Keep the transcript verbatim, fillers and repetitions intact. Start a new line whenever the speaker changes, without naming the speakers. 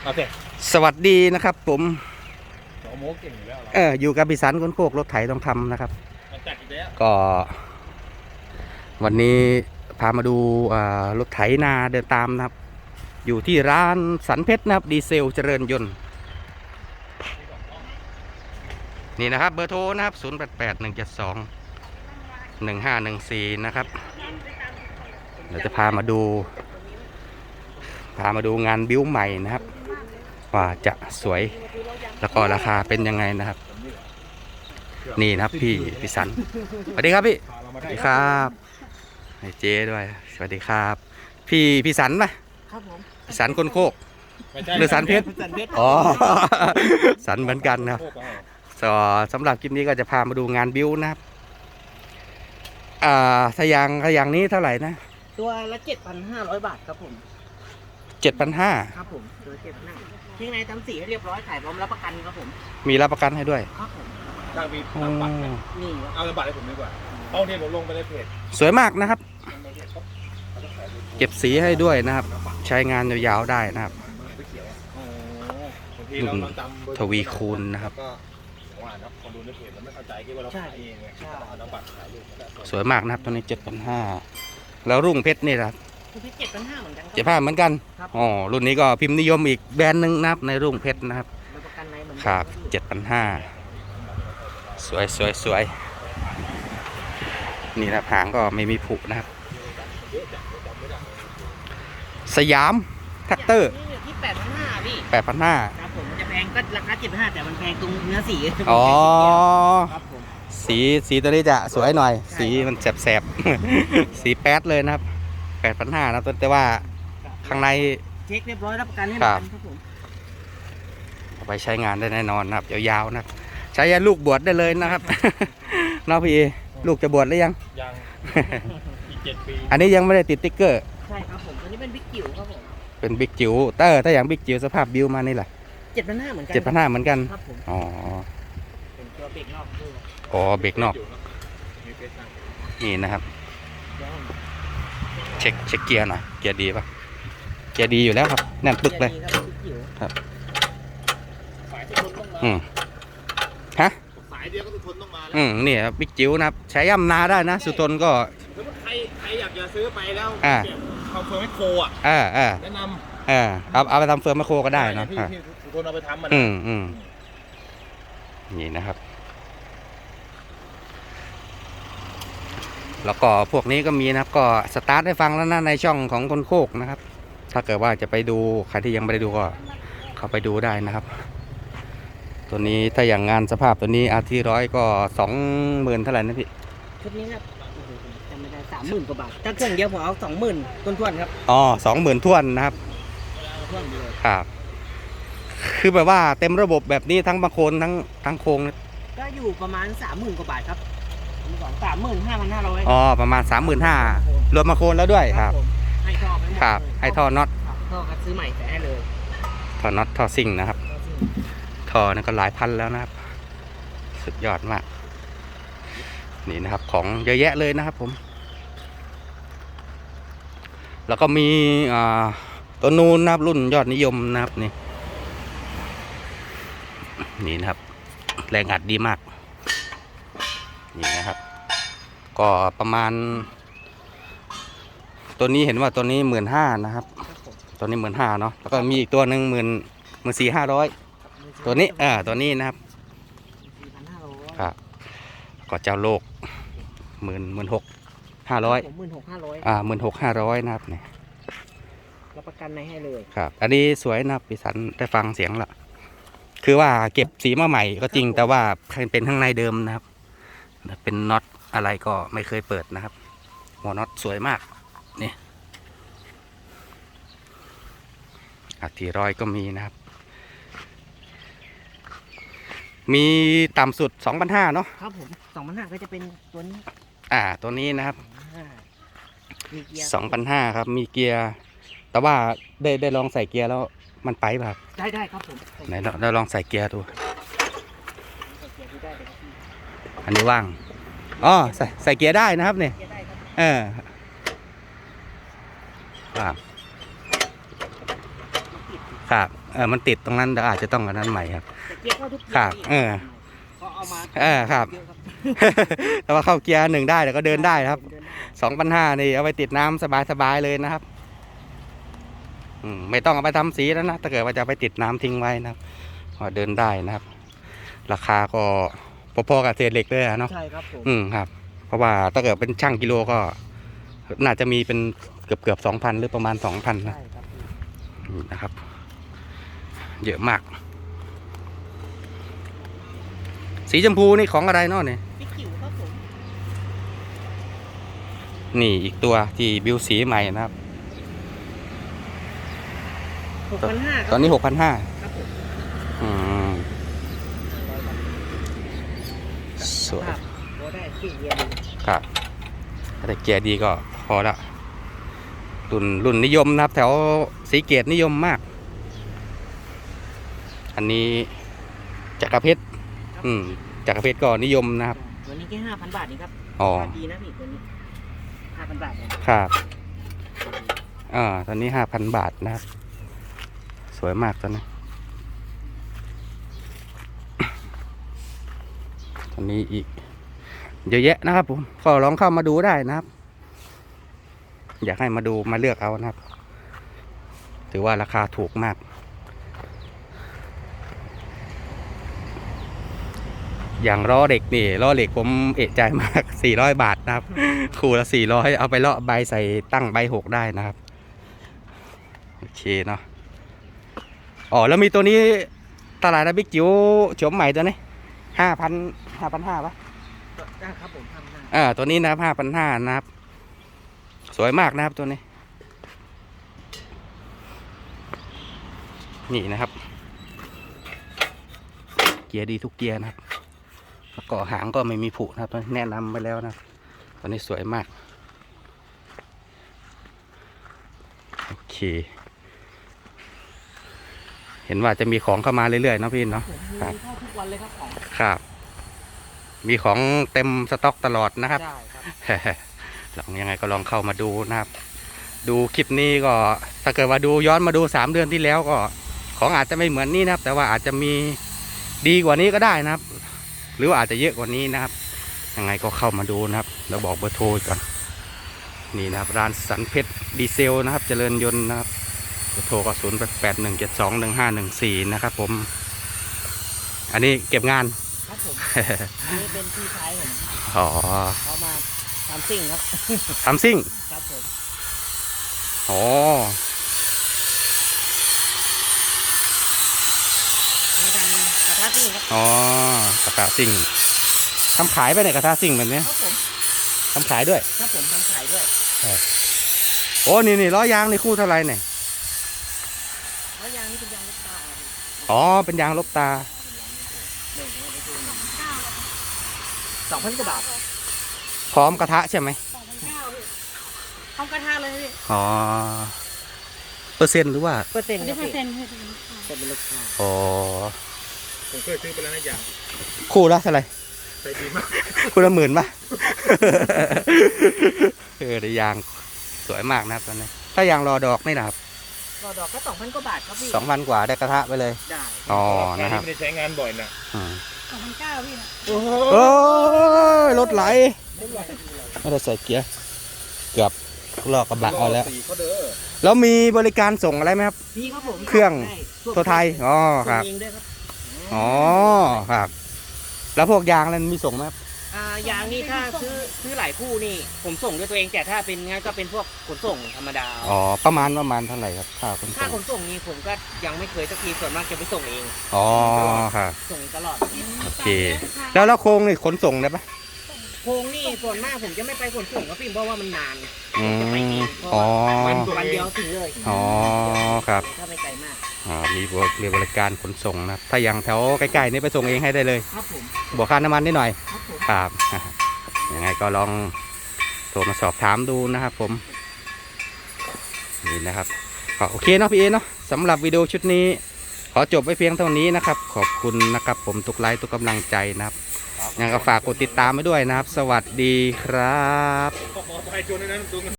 เอาเถอะ
สวัสดีนะครับผม
สองโมงเก่งอยู่แล้ว
เอออยู่กับพิสันคนโคกรถไถทองคำนะครับ
มันจัดอีกแล้ว
ก็วันนี้พามาดูรถไถนาเดินตามนะครับอยู่ที่ร้านสันเพชรนะครับดีเซลเจริญยนต์นี่นะครับเบอร์โทรนะครับศูนย์แปดแปดหนึ่งเจ็ดสองหนึ่งห้าหนึ่งสี่นะครับเดี๋ยวจะพามาดูพามาดูงานบิ้วใหม่นะครับว่าจะสวยแล้วก็ราคาเป็นยังไงนะครับนี่นะครับพี่พี่สันสวัสดีครับพี่สวัสดีครับไอเจ๊ด้วยสวัสดีครับพี่พี่สันไหม
ครับผม
พี่สันคนโคกหรือสันเพชรอ๋อสันเหมือนกันนะครับสำหรับคลิปนี้ก็จะพามาดูงานบิ้วนะครับอ่าทะยางทะยางนี้เท่าไหร่นะ
ตัวละเจ็ดพันห้าร้อยบาทครับผม
เจ็ดพันห้า
ครับผมตัวเจ็ดพันห้าที่ในทำสีให้เรียบร้อยขายพร้อมรับประกันครับผม
มีรับประกันให้ด้วย
ครับผม
ตั้งมีนำบัตรนี่เอานำบัตรให้ผมดีกว่าเอาที่ผมลงไปในเพจ
สวยมากนะครับเก็บสีให้ด้วยนะครับใช้งานยาวๆได้นะครับรุ่นทวีคูณนะครับสวยมากนะครับตัวนี้เจ็ดพันห้าแล้วรุ่งเพชรนี่ครับ
เจ็ดพันห้าเหมือนกัน
เจ็ดพันเหมือนกันอ๋อรุ่นนี้ก็พิมพ์นิยมอีกแบรนด์หนึ่งนะครับในรุ่งเพชรนะครับครับเจ็ดพันห้าสวยสวยสวยนี่นะหางก็ไม่มีผุนะครับสยามแท็กเตอร์
ที่แปดพันห้าพี่
แปดพันห้า
ครับผมจะแพงก็ราคาเจ็ดพันห้าแต่มันแพงตรงเนื้อสี
อ๋อสีสีตัวนี้จะสวยหน่อยสีมันแสบๆสีแป๊ดเลยนะครับแปดพันห้านะแต่ว่าข้างใน
เช็คเรียบร้อยรับประกันให้ครับผม
เอาไปใช้งานได้แน่นอนนะครับยาวๆนะครับใช้ยันลูกบวชได้เลยนะครับน้องพี่ลูกจะบวชหรือยัง
ยังอีกเจ็ดปี
อันนี้ยังไม่ได้ติดติ๊กเกอร์
ใช่ครับผมตัวนี้เป็นบิ๊กจิ๋วครับผม
เป็นบิ๊กจิ๋วเตอร์ถ้าอย่างบิ๊กจิ๋วสภาพบิวมานี่แหละ
เจ็ดพันห้าเหมือนกัน
เจ็ดพันห้าเหมือนกัน
ครับผม
อ๋อ
เป็นตัวเบรกนอก
อ๋อเบรกนอกนี่นะครับเช็คเช็คเกียร์หน่อยเกียร์ดีป่ะเกียร์ดีอยู่แล้วครับแน่นปึ๊กเลยครับอืมฮะ
สายเดียวก็สุทนต้องมา
อืมนี่ครับบิ๊กจิ๋วนะครับใช้ย่ำนาได้นะสุทนก็
ใครใครอยากจะซื้อไปแล้วทำเฟอร์มแมคโครอ่ะ
อ่าอ่า
แนะนำ
อ่าเอาเอาไปทำเฟอร์มแมคโครก็ได้นะ
สุทนเอาไปทำมัน
อืมอืมนี่นะครับแล้วก็พวกนี้ก็มีนะครับก็สตาร์ทให้ฟังแล้วนะในช่องของคนโคกนะครับถ้าเกิดว่าจะไปดูใครที่ยังไม่ได้ดูก็เข้าไปดูได้นะครับตัวนี้ถ้าอย่างงานสภาพตัวนี้อาทีร้อยก็สองหมื่นเท่าไหร่นะพี่
ชุดนี้ครับจำไม่ได้สามหมื่นกว่าบาทถ้าเครื่องเดียวผมเอาสองหมื่นต้นๆครับ
อ๋อสองหมื่นท่วนนะครับครับคือแบบว่าเต็มระบบแบบนี้ทั้งบางโคนทั้งทั้งโครง
ก็อยู่ประมาณสามหมื่นกว่าบาทครับสามหมื่นห้าพันห้าร้อย
อ๋อประมาณสามหมื่นห้ารวมมาโคนแล้วด้วยครับ
ให้ท่อไปหมด
ครับให้ท่อน็อต
ท่อคัดซื้อใหม่แต่ให้เลย
ท่อน็อตท่อซิ่งนะครับท่อนั่นก็หลายพันแล้วนะครับสุดยอดมากนี่นะครับของเยอะแยะเลยนะครับผมแล้วก็มีอ่าตัวนูนนะครับรุ่นยอดนิยมนะครับนี่นี่นะครับแรงอัดดีมากนี่นะครับก็ประมาณตัวนี้เห็นว่าตัวนี้หมื่นห้านะครับตัวนี้หมื่นห้าเนาะแล้วก็มีอีกตัวหนึ่งหมื่นหมื่นสี่ห้าร้อยตัวนี้อ่าตัวนี้นะครับครับก็เจ้าโลกหมื่นหมื่นหกห้าร้อย
หมื่นหกห้าร้อย
อ่าหมื่นหกห้าร้อยนะครับเนี่ย
รับประกันในให้เลย
ครับอันนี้สวยนะครับพี่สันได้ฟังเสียงละคือว่าเก็บสีมาใหม่ก็จริงแต่ว่าเป็นข้างในเดิมนะครับเป็นน็อตอะไรก็ไม่เคยเปิดนะครับหัวน็อตสวยมากนี่อาทีร้อยก็มีนะครับมีต่ำสุด สองพันห้าร้อย เนาะ
ครับผม สองพันห้าร้อย ก็จะเป็นตัวนี้
อ่าตัวนี้นะครับ สองพันห้าร้อย ครับมีเกียร์แต่ว่าได้ได้ลองใส่เกียร์แล้วมันไปป่ะครับ
ได้ได้ครับผม
ไหนเราเราลองใส่เกียร์ดูอันนี้ว่างอ๋อใส่ใส่เกียร์ได้นะครับเนี่ยเออครับครับเออมันติดตรงนั้นเดี๋ยวอาจจะต้องอันนั้นใหม่ครับ
แต่เกียร์เข้าทุกเกีย
ครับ
พี่
เออ
เขาเอามา
เออครับ
เยอะครับ
แต่ว่าเข้าเกียร์หนึ่งได้แต่ก็เดินได้ครับ
เดินได้
สองพันห้านี่เอาไปติดน้ำสบายๆเลยนะครับอืมไม่ต้องเอาไปทำสีแล้วนะถ้าเกิดว่าจะเอาไปติดน้ำทิ้งไว้นะครับก็เดินได้นะครับ ราคาก็พอๆกับเศษเหล็กเลยอะเนาะ
ใช่ครับผม
อืมครับ เพราะว่าถ้าเกิดเป็นช่างกิโลก็ น่าจะมีเป็นเกือบเกือบสองพันหรือประมาณสองพันนะ
ใช่ครับพี่
นี่นะครับ เยอะมาก สีชมพูนี่ของอะไรเนาะเนี่ย
พี่จิ๋วครับผม
นี่อีกตัวที่บิวสีใหม่นะครับ
หกพันห้า
ตอนนี้หกพันห้า
ครับผม
อืมสวย
ครับโบได้ขี่เกียร์ดี
ครับถ้าแต่เกียร์ดีก็พอละรุ่นรุ่นนิยมนะครับ แถวสีเกตนิยมมาก อันนี้จักรเพชรอืมจักรเพชรก็นิยมนะครับ
ตัวนี้แค่ห้าพันบาทนี่ครับ
อ๋อ
ดีนะพี่ตัวนี้ห้าพันบาทเนี่ย
ครับอ่าตอนนี้ห้าพันบาทนะครับ สวยมากตอนนี้ ตอนนี้อีกเยอะแยะนะครับผมก็ลองเข้ามาดูได้นะครับ อยากให้มาดูมาเลือกเอานะครับ ถือว่าราคาถูกมาก อย่างล้อเหล็กนี่ล้อเหล็กผมเอะใจมาก สี่ร้อยบาทนะครับ คู่ละสี่ร้อยเอาไปเลาะใบใส่ตั้งใบหกได้นะครับ โอเคเนาะ อ๋อแล้วมีตัวนี้ตลาดนะบิ๊กจิ๋วโฉมใหม่ตัวนี้ห้าพันห้าพันห้าปะ
ได้ครับผมทำได้
อ่าตัวนี้นะครับห้าพันห้านะครับ สวยมากนะครับตัวนี้ นี่นะครับ เกียร์ดีทุกเกียร์นะครับแล้วก็หางก็ไม่มีผุนะครับตัวนี้แนะนำไปแล้วนะตัวนี้สวยมาก โอเค เห็นว่าจะมีของเข้ามาเรื่อยๆเนาะพี่เนาะ
ผมมี
ครับ
เข้าทุกวันเลยครับของ
ครับ มีของเต็มสต็อกตลอดนะครับ
ได้ครับ
ลองยังไงก็ลองเข้ามาดูนะครับ ดูคลิปนี้ก็ถ้าเกิดว่าดูย้อนมาดูสามเดือนที่แล้วก็ ของอาจจะไม่เหมือนนี้นะครับ แต่ว่าอาจจะมีดีกว่านี้ก็ได้นะครับ หรือว่าอาจจะเยอะกว่านี้นะครับ ยังไงก็เข้ามาดูนะครับแล้วบอกเบอร์โทรก่อนนี่นะครับร้านสันเพชรดีเซลนะครับ เจริญยนต์นะครับเบอร์โทรก็ศูนย์แปดหนึ่งเจ็ดสองหนึ่งห้าหนึ่งสี่นะครับผม อันนี้เก็บงาน
ครับผมอันนี้เป็นพี่ชายผม
อ๋อ
เขามาทำซิ่งครับ
ทำซิ่ง
ครับผม
อ๋อ
นี่ทำกระทะซิ่งครับ
อ๋อกระทะซิ่งทำขายไปเนี่ยกระทะซิ่งแบบนี้
ครับผม
ทำขายด้วย
ครับผมทำขายด้วย
โอ้นี่นี่ล้อยางในคู่เท่าไหรเนี่ย
แล้วยางนี่เป็นยางลูกตา
อ๋อเป็นยางลบตา
สองพันกว่าบาท
พร้อมกระทะใช่ไหม
ทำกระทะเลยพี่
อ๋อเปอร์เซ็นต์หรือว่า
เปอร์เซ็นต์ครับ
เปอ
พี่
ร์เซ็นต์
เป็นลูกค้า
อ๋อ
ผมเคยซื้อไปแล้วนะอย่าง
คู่ละเท่าไหร
ใจดีมาก
คู่ละหมื่นปะ เออแต่ยางสวยมากนะครับตอนนี้ถ้ายางรอดอกนี่นะครับ
รอดอกก็สองพันกว่าบาทครับพี่
สองพันกว่าได้กระทะไปเลย
ได้
อ๋อนะครับ
ไม่ได้ใช้งานบ่อยนะ
อืม
สองพันเก้าพี่นะ
โอ้โห
โอ้ยรถไหลไม่ได้ใส่เกียร์เกือบลอกกระบะเอาแล้ว
สีเขาเด้อ
แล้วมีบริการส่งอะไรไหมครับ
พี่ครับผม
เครื่อง
ได้
ตัวไทยอ๋อ
ส่ง
ครับ
เองด้วยครับ
อ๋อครับ แล้วพวกยางอะไรมีส่งไหมครับ
อ่ายางนี่ถ้าซื้อซื้อหลายคู่นี่ผมส่งด้วยตัวเองแต่ถ้าเป็นงั้นก็เป็นพวกขนส่งธรรมดา
อ๋อประมาณประมาณเท่าไหร่ครับค่าขน
ถ้า
ส่ง
ขนส่งนี่ผมก็ยังไม่เคยสักทีส่วนมากจะไปส่งเอง
อ๋อครับ
ส่งตลอด
โอเค แล้วแล้วโครงนี่ขนส่งได้ปะ
โครงนี่ส่วนมากผมจะไม่ไปขนส่งครับพี่เพราะว่ามันนาน
อื
จะไปเอ
ม
งเพราะ
อ๋อ
ว่าวันเดียวถึงเลย
อ๋อครับ
ถ้าไม่ไกลมาก
อ๋อมีบริบริการขนส่งนะครับถ้าอย่างแถวใกล้ๆนี่ไปส่งเองให้ได้เลย
ครับผม
บวกค่าน้ำมันนิดหน่อย
ครับผม
ครับ ยังไงก็ลองโทรมาสอบถามดูนะครับผมนี่นะครับก็โอเคเนาะพี่เอเนาะสำหรับวิดีโอชุดนี้ ขอจบไว้เพียงเท่านี้นะครับ ขอบคุณนะครับ ผมทุกไลค์ทุกกำลังใจนะครับยังก็ฝากกดติดตามไปด้วยนะครับ สวัสดีครับ
ขอไปชวนในนั้นดู